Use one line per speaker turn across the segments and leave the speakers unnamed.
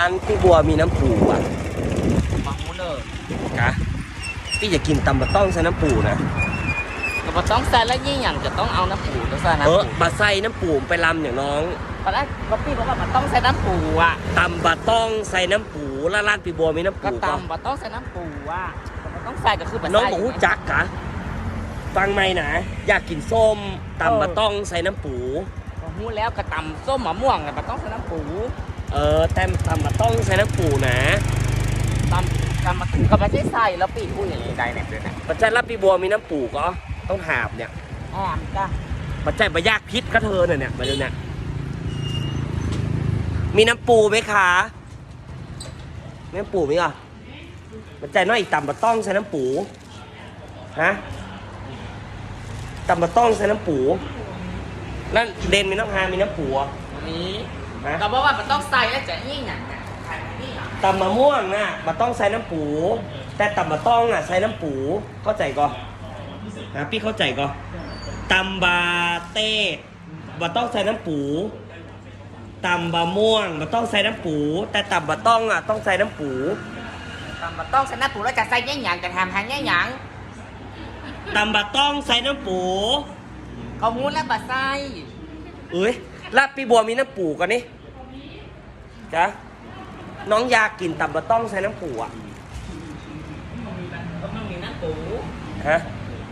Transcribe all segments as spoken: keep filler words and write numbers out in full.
านพี่บัวมีน้ำปูอ่ะ
มาหูเลย
กะพี่จะกินตำบะต้องใส่น้ำปูนะ
แต่ว่าต้องใส่แล้วยิ่งอย่างจะต้องเอาน้ำปูต้องใส่น้ำ
เอ
ปู
อมาใส่น้ำปูไปลำอย่างน้อง
ตอนแรกก็พี่บอกว่ามันต้องใส่น้ำปูอ่ะ
ตำบะต้องใส่น้ำปูแล้วร้านพี่บัวมีน้ำ
ก็
ปูก็
ตำมันต้องใส่น้ำปูอ่ะมันต้องใส่ก็คือแบบ
น้องบอกหูจักกะฟังไหมนะอยากกินส้มตำบะต้องใส่น้ำปู
หูแล้วก็ตำส้มมะม่วงแต่มันต้องใส่น้ำปู
เออแต่ตำบะต้องใส่น้ำปูนะ
ตำตำมาก็ไม่ใช่ใส่แล้วปีอุ้ยอย่างนี้ได้เนี่ยด้วยนะ
ปัจจัยรับพี่บัวมีน้ำปูก็ต้องหาบเนี่ย
แอมจ้ะ
ปัจจัยบะยากพิษก็เธอเนี่ยเนี่ยมาดูเนี่ยมีน้ำปูไหมคะมีน้ำปูไหมอ่ะปัจจัยน้อยอีกตำบะต้องใส่น้ำปูฮะตำบะต้องใส่น้ำปูแล้วเดนมีน้ำฮามีน้ำปูอ่ะ
นี้ก็บอกว่ามันต้องใส่แล้วจะยิ่งอย่างนี้
ตำมะม่วงน่ะมาต้องใส่น้ำปูแต่ตำมะต้องอ่ะใส่น้ำปูเข้าใจก่อนนะพี่เข้าใจก่อนตำบาเต้มาต้องใส่น้ำปูตำบะม่วงมาต้องใส่น้ำปูแต่ตำบะต้องอ่ะต้องใส่น้ำปู
ตำบะต้องใส่น้ำปูแล้วจะใส่ยิ่งอย่างจะทำหางยิ่งอย่าง
ตำบะต้องใส่น้ำปู
เขาหูแล้วบะไส้
เอ้ยรับพี่บัวมีน้ำปูกันนี่จ้ะน้องอยากกินตำบะต้องใส่น้ำปูอ่ะ
ก็ต้องมีน้ำปู
ฮะ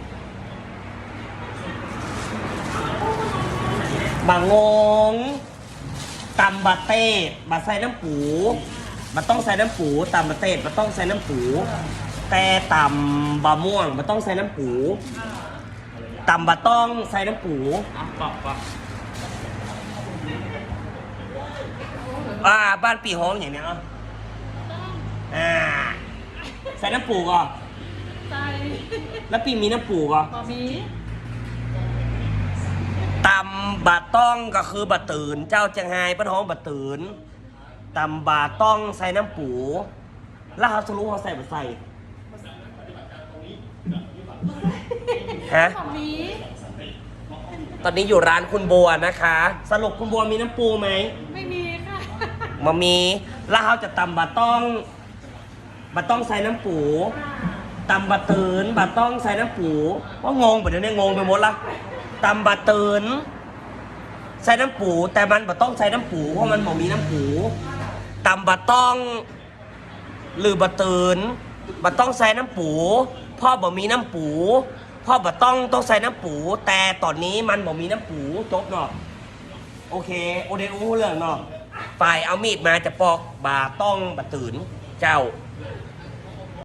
บางงงตำบะเต้บะใส่น้ำปูบะต้องใส่น้ำปูตำบะเต้บะต้องใส่น้ำปูแต่ตำบะม่วงบะต้องใส่น้ำปูตำบะต้องใส่น้ำปู
บอกบอก
อ่าบ้านปีห้องอย่างเนี้ยอ่าใส่น้ำปูก่อนใส่แล้วปีมีน้ำปูก่อน
มี
ตำบะต้องก็คือบะตื่นเจ้าจังไห้ป้าท้องบะตื่นตำบะต้องใส่น้ำปูแล้วเขาจะรู้เขาใส่บะใส่ฮะตอนนี้อยู่ร้านคุณบัวนะคะสรุปคุณบัวมีน้ำปูไหม
ไม่มีค่ะ
มามีแล้วเขาจะตำบะต้องบะต้องใส่น้ำปูตำบะตื่นบะต้องใส่น้ำปูว่างงแบบนี้งงไปหมดละตำบะตื่นใส่น้ำปูแต่มันบะต้องใส่น้ำปูเพราะมันบ่มีน้ำปูตำบะต้องหรือบะตื่นบะต้องใส่น้ำปูพ่อบ่มีน้ำปูพ่อบะต้องต้องใส่น้ำปูแต่ตอนนี้มันบ่มีน้ำปูจบเนาะโอเคโอเดอูเรื่องเนาะฝ่ายเอามีดมาจะปอกบะต้องบะตื่นเจ้า